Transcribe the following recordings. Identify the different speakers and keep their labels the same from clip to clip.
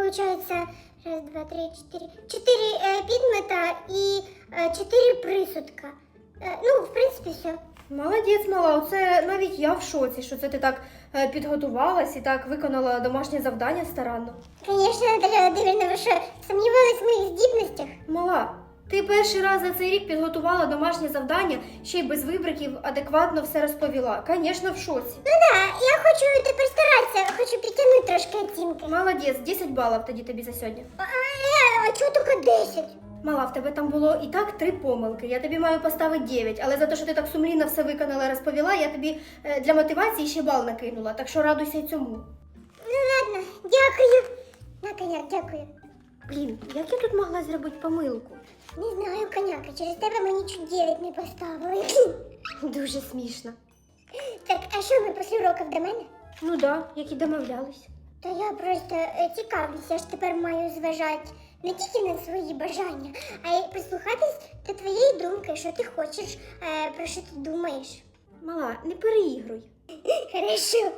Speaker 1: получается, раз, два, три, четыре. Четыре підмета і чотири присудка. Ну, в принципі, все.
Speaker 2: Молодець, мала, оце навіть я в шоці, що це ти так підготувалась і так виконала домашнє завдання старанно.
Speaker 1: Конечно, Наталя Володимирівна, ви що, сомнівались в моїх здібностях?
Speaker 2: Мала, ти перший раз за цей рік підготувала домашнє завдання, ще й без вибриків адекватно все розповіла. Звісно, в шоці.
Speaker 1: Ну да, я хочу тепер старатися, хочу підтягнути трошки оцінки.
Speaker 2: Молодець, 10 балів тоді тобі за сьогодні.
Speaker 1: А чого тільки 10?
Speaker 2: Мала, в тебе там було і так 3 помилки. Я тобі маю поставити 9, але за те, що ти так сумлінно все виконала і розповіла, я тобі для мотивації ще бал накинула, так що радуйся й цьому.
Speaker 1: Ну ладно, дякую. На коняк, дякую.
Speaker 2: Блін, як я тут могла зробити помилку?
Speaker 1: Не знаю, коняка, через тебе мені чуть 9 не поставили.
Speaker 2: Дуже смішно.
Speaker 1: Так, а що ми після уроків до мене?
Speaker 2: Ну да, як і домовлялись.
Speaker 1: Та я просто цікавлюся, я ж тепер маю зважати не тільки на свої бажання, а й прислухатись до твоєї думки, що ти хочеш, про що ти думаєш.
Speaker 2: Мала, не переігруй.
Speaker 1: Хорошо.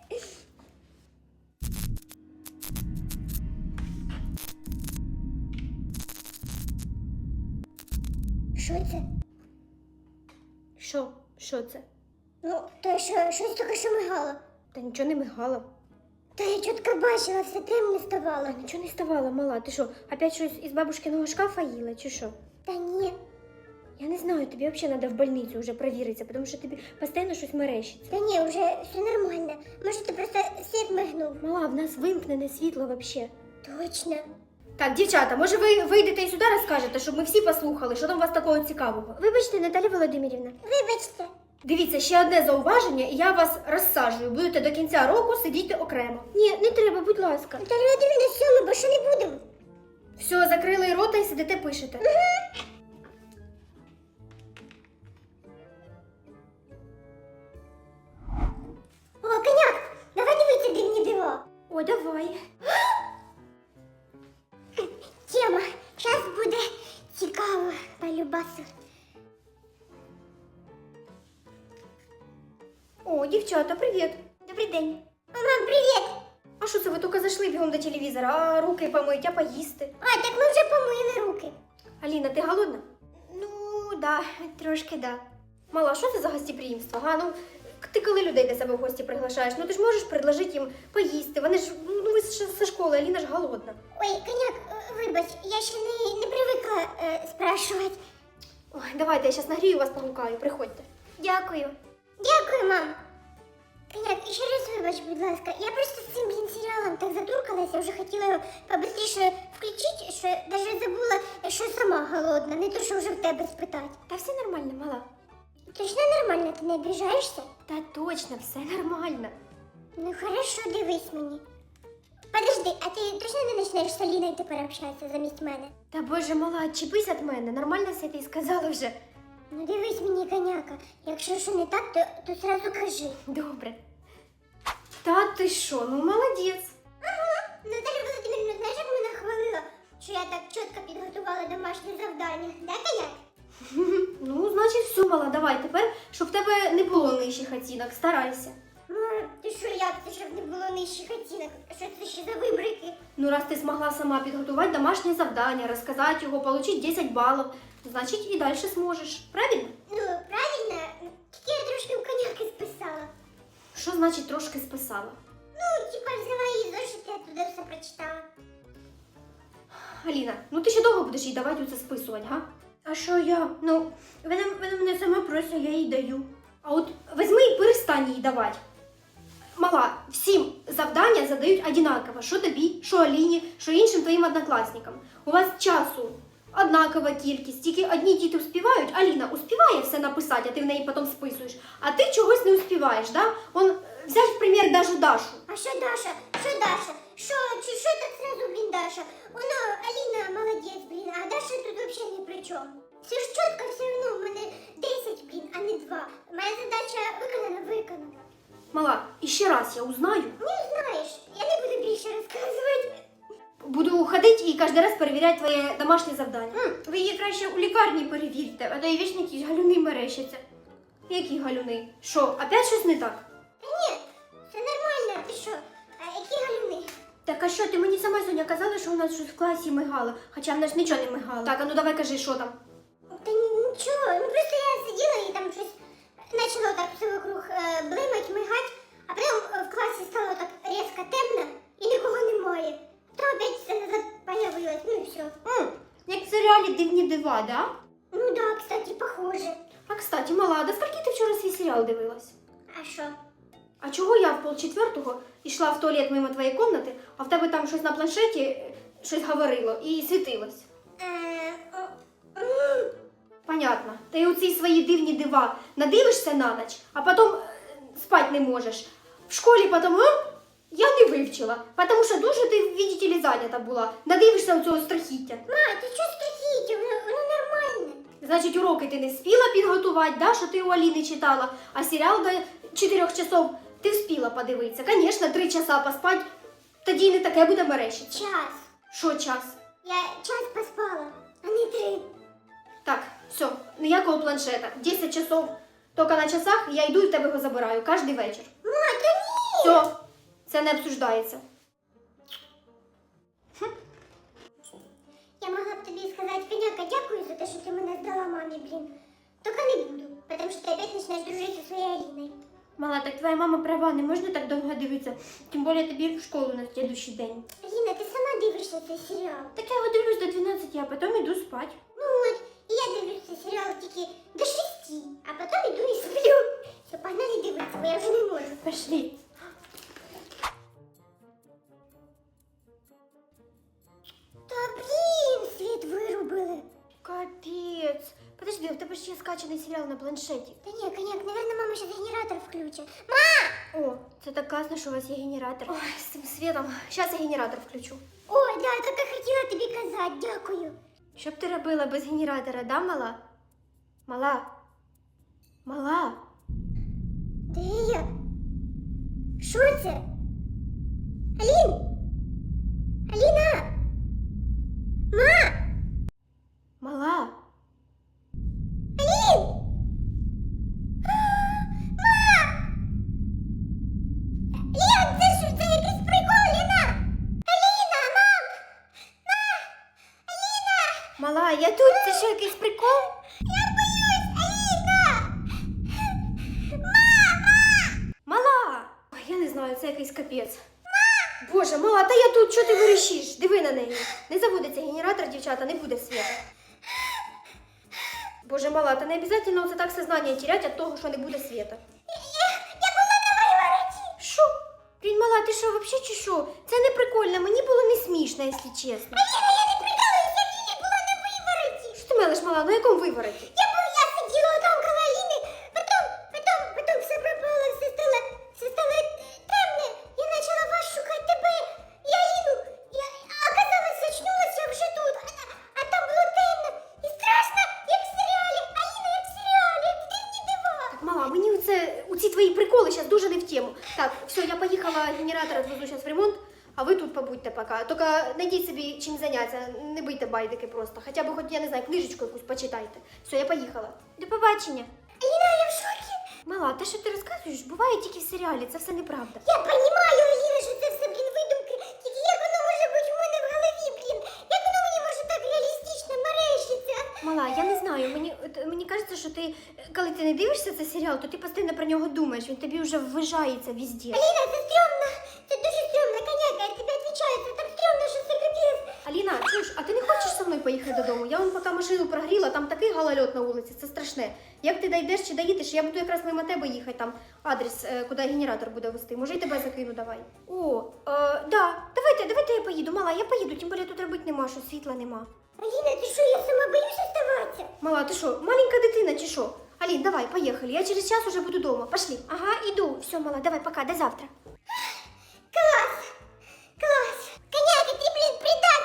Speaker 1: Що це?
Speaker 2: Що це?
Speaker 1: Ну, то що, щось тільки що мигало.
Speaker 2: Та нічого не мигало.
Speaker 1: Та я чітко бачила, все темно ставало.
Speaker 2: Нічого не ставало, мала. Ти що, опять щось із бабушкиного шкафа їла, чи що?
Speaker 1: Та ні.
Speaker 2: Я не знаю, тобі взагалі треба в больницю вже провіритися, тому що тобі постійно щось мерещиться.
Speaker 1: Та ні, вже все нормально. Може, ти просто світ мигнув.
Speaker 2: Мала, в нас вимкнене світло взагалі.
Speaker 1: Точно.
Speaker 2: Так, дівчата, може ви вийдете і сюди розкажете, щоб ми всі послухали, що там у вас такого цікавого?
Speaker 1: Вибачте, Наталя Володимирівна. Вибачте.
Speaker 2: Дивіться, ще одне зауваження, і я вас розсаджую. Будете до кінця року сидіти окремо. Ні, не треба, будь ласка.
Speaker 1: Наталя Володимирівна, все, ми більше не будемо.
Speaker 2: Все, закрили рота і сидите пишете.
Speaker 1: О, коняк, давай дивитися дивні дива.
Speaker 2: О, давай.
Speaker 1: Тема, зараз буде цікаво, полюбасу.
Speaker 2: О, дівчата, привіт.
Speaker 1: Добрий день. Мам, привіт.
Speaker 2: А що це ви тільки зайшли бігом до телевізора, а руки помить, а поїсти?
Speaker 1: А, так ми вже помили руки.
Speaker 2: Аліна, ти голодна?
Speaker 1: Ну, да, трошки да.
Speaker 2: Мала, що це за гостеприємство, га? Ну, ти коли людей до себе в гості приглашаєш, ну ти ж можеш предложити їм поїсти. Вони ж, ну ви ж зі школи, Аліна ж голодна.
Speaker 1: Ой, коняк, вибач, я ще не привикла спрашувати.
Speaker 2: Ой, давайте, я зараз нагрію вас, погукаю, приходьте.
Speaker 1: Дякую. Дякую, мам. Коняк, ще раз вибач, будь ласка. Я просто з цим, серіалом так затуркалася, вже хотіла його побистріше включити, що навіть забула, що сама голодна, не то, що вже в тебе спитати.
Speaker 2: Та все нормально, мала.
Speaker 1: Точно нормально, ти не обіжаєшся?
Speaker 2: Та точно, все нормально.
Speaker 1: Ну хорошо, дивись мені. Подожди, а ти точно не почнеш з Аліною тепер общатися замість мене?
Speaker 2: Та боже, мала, чіпись від мене, нормально все ти сказала вже.
Speaker 1: Ну дивись мені, коняка. Якщо що не так, то сразу кажи.
Speaker 2: Добре. Та ти що, ну молодець.
Speaker 1: Наталя Володимирівна, знаєш, як мене хвалила, що я так чітко підготувала домашнє завдання? Да, коняк?
Speaker 2: Ну, значить, все, мала, давай тепер, щоб в тебе не було нижчих оцінок, старайся.
Speaker 1: Ти що, як це, щоб не було нижчих оцінок? Що це ще за вибрики?
Speaker 2: Ну, раз ти змогла сама підготувати домашнє завдання, розказати його, отримати 10 балів, значить і далі зможеш. Правильно?
Speaker 1: Ну, правильно, тільки я трошки у коняки списала.
Speaker 2: Що значить трошки списала?
Speaker 1: Ну, типа взяла її зошит, я туди все прочитала.
Speaker 2: Аліна, ну ти ще довго будеш їй давати оце списувати, га? А що я? Ну, вона мене сама просить, я їй даю. А от візьми і перестань їй давати. Мала, всім завдання задають однаково. Що тобі, що Аліні, що іншим твоїм однокласникам. У вас часу однакова кількість, тільки одні діти успівають. Аліна успіває все написати, а ти в неї потім списуєш. А ти чогось не успіваєш, да? Он, взять в примір даже Дашу.
Speaker 1: А що Даша? Що Даша? Що так сразу, блін, Даша? Вона, Аліна, молодець, блін, а Даша тут взагалі ні при чому. Все ж чітко, все одно, в мене 10, блін, а не 2. Моя задача виконана.
Speaker 2: Мала, і ще раз я узнаю.
Speaker 1: Не знаєш, я не буду більше розказувати.
Speaker 2: Буду ходити і кожен раз перевіряти твоє домашнє завдання. Ви її краще у лікарні перевірте, а то і вічно якісь галюни мерещаться. Які галюни? Що, опять щось не так?
Speaker 1: Та ні, все нормально, ти що? А які галюни?
Speaker 2: Так а що, ти мені сама сьогодні казала, що у нас щось в класі мигало, хоча в нас нічого не мигало. Так, а ну давай кажи, що там.
Speaker 1: Та нічого, ну просто я сиділа і там щось почало так все вокруг блимать, мигать, а потім в класі стало так різко темно і нікого немає. Потім опять все назад появилось, ну і все.
Speaker 2: Як в серіалі «Дивні дива», да?
Speaker 1: Ну да, кстати, похоже.
Speaker 2: А, кстати, мала, до скільки ти вчора свій серіал дивилась?
Speaker 1: А що?
Speaker 2: А чого я в 3:30 йшла в туалет мимо твоєї кімнати, а в тебе там щось на планшеті, щось говорило і світилось? Понятно. Ти у ці свої дивні дива надивишся на ніч, а потім спати не можеш. В школі потім, я не вивчила, тому що дуже ти, видите ли, зайнята була. Надивишся у цього страхіття.
Speaker 1: Ма, ти чого страхіття? Воно нормальне.
Speaker 2: Значить, уроки ти не спіла підготувати, да, що ти у Аліни читала, а серіал до 4 часов ти вспіла подивитися. Звісно, 3 часа поспати, тоді й не таке буде мерещиться.
Speaker 1: Час.
Speaker 2: Що час?
Speaker 1: Я час поспала, а не 3.
Speaker 2: Так, все, ніякого планшета. 10 часов тільки на часах, я йду і в тебе його забираю кожен вечір.
Speaker 1: Ма, та ні!
Speaker 2: Все, це не обсуждається.
Speaker 1: Я могла б тобі сказати, Коняка, дякую за те, що ти мене здала мамі, блін. Тільки не буду, тому що ти опять почнеш дружити зі своєю Аліною.
Speaker 2: Мала, так твоя мама права, не можна так довго дивитися. Тим більше тобі в школу на слідуючий день.
Speaker 1: Аліна, ти сама дивишся цей серіал.
Speaker 2: Так я його дивлюсь до 12, а потім йду спати.
Speaker 1: Ну от, і я дивлюсь цей серіал тільки до 6, а потім іду і сплю. Все, погнали дивитися, бо я вже не можу.
Speaker 2: Пошли.
Speaker 1: Та блін, світ вирубили.
Speaker 2: Капець. Подожди, у тебе ж є скачаний серіал на планшеті.
Speaker 1: Та ні, Коняк, наверное, мама зараз генератор включить.
Speaker 2: О, це так класно, що у вас є генератор. Ой, з цим світом. Зараз я генератор включу.
Speaker 1: Ой, да, так я хотіла тобі казати, дякую.
Speaker 2: Що б ти робила без генератора, да, мала? Мала? Мала?
Speaker 1: Де я? Що це? Алін? Аліна? Ма?
Speaker 2: Мала?
Speaker 1: Алін? Ма? Лен, це якийсь прикол, Ліна? Аліна, мам?
Speaker 2: Мала, я тут, це що, якийсь прикол?
Speaker 1: Я боюсь, Аліна!
Speaker 2: Мала! Ой, я не знаю, це якийсь капець. Боже, мала, та я тут, що ти вирішиш? Диви на неї. Не заводиться генератор, дівчата, не буде світу. Боже, мала, та не обов'язково це так сознання терять від того, що не буде світу.
Speaker 1: Я була на виворіті.
Speaker 2: Що? Блін, мала, ти що, взагалі чи що? Це не прикольно, мені було не смішно, якщо чесно.
Speaker 1: Аліна, я не прикалуюся, Аліна була на виворіті.
Speaker 2: Що ти мелиш, мала, на якому вивороті?
Speaker 1: Я сиділа там коло Аліни, потім все пропало, все стало темне. Я почала вас шукати тебе і Аліну. Я оказалось, очнулася вже тут, а там було темно і страшно, як в серіалі. Аліна, як в серіалі, як в дивні дива.
Speaker 2: Так, мала, мені у ці твої приколи зараз дуже не в тему. Так, все, я поїхала, генератор відвезу зараз в ремонт, а ви тут побудьте поки. Тільки знайдіть собі чим зайнятися, не бийте байдики просто. Хоча б хоч, я не знаю, книжечку якусь почитайте. Все, я поїхала. До побачення.
Speaker 1: Аліна, я в шокі.
Speaker 2: Мала, те, що ти розказуєш, буває тільки в серіалі, це все неправда.
Speaker 1: Я розумію, Аліна, що це все, блін, видумки. Тільки як воно може бути в мене в голові, блін? Як воно мені може так реалістично мерещиться?
Speaker 2: Мала, я не знаю, мені кажеться, що ти, коли ти не дивишся цей серіал, то ти постійно про нього думаєш, він тобі вже ввижається везде.
Speaker 1: Аліна, це стрьомно. Це дуже стрьомно, Коняка, я тобі відповідаю, це так стрьомно, що це капець.
Speaker 2: Аліна, чуєш, а ти не хочеш зі мною поїхати додому? Я вон поки машину прогріла, там такий галальот на вулиці, це страшне. Як ти дійдеш чи доїдеш, я буду якраз мимо тебе їхати, там адрес, куди генератор буде вести. Може, і тебе закину, давай. О, да, давайте я поїду. Мала, я поїду, тим більше тут робити нема, що світла нема.
Speaker 1: Аліна, ти що, я сама боюсь оставатися?
Speaker 2: Мала, ти що, маленька дитина чи що? Алін, давай, поїхали, я через час уже буду дома. Пошли. Ага, іду. Все, мала, давай, пока, до завтра.
Speaker 1: Клас! Клас! Коняка, ти, блін, придат!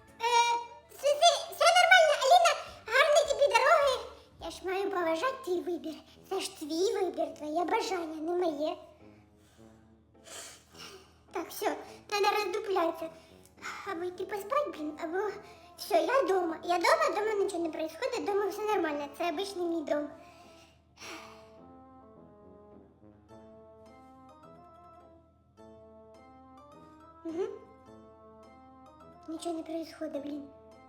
Speaker 1: Все нормально, Аліна, гарної тобі дороги. Я ж маю поважати твій вибір. Це ж твій вибір, твоє бажання, не моє. Так, все, треба роздуплятися. Або йти поспати, блін, або... Все, я дома. Я дома нічого не происходит, дома все нормально. Це обичний мій дом. Угу. ничего не происходит, блин.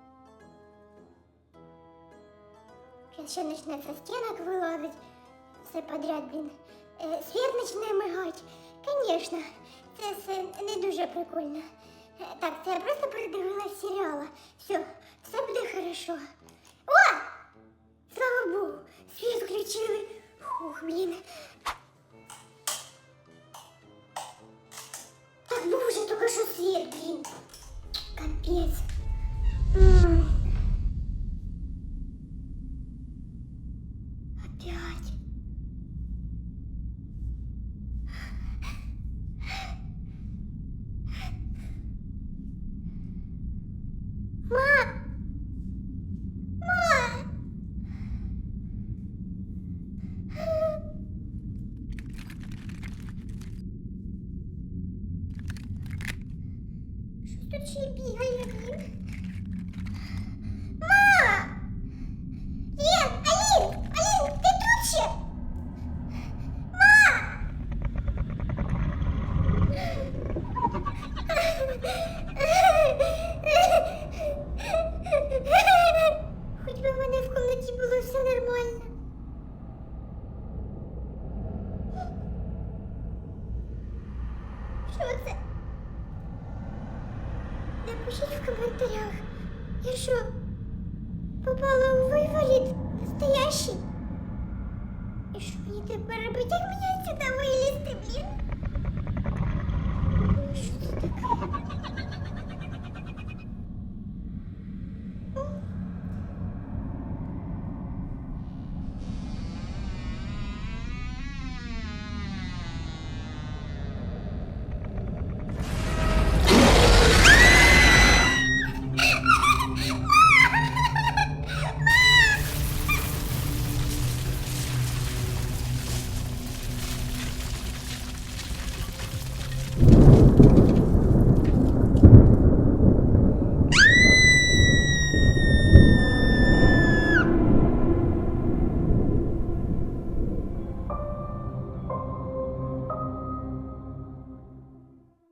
Speaker 1: Сейчас ще почне со стінок вилазить. Все подряд, блін. Світ почне мигати. Конечно, це все не дуже прикольно. Так, це я просто передивилась серіала. Все буде хорошо. О! Слава Богу, світ включили. Фух, блін. Так, ну вже тільки що світ, блін. Капець. Опять. Тут ще й бігає, блін. Ма! Алін, ти тут ще? Ма! Хоч би в мене в кімнаті було все нормально. Що це? Напишіть в коментарях, я що, попала у виворіт настоящий? І що мені тепер робити, як мені сюди вилізти, блін? Що це таке?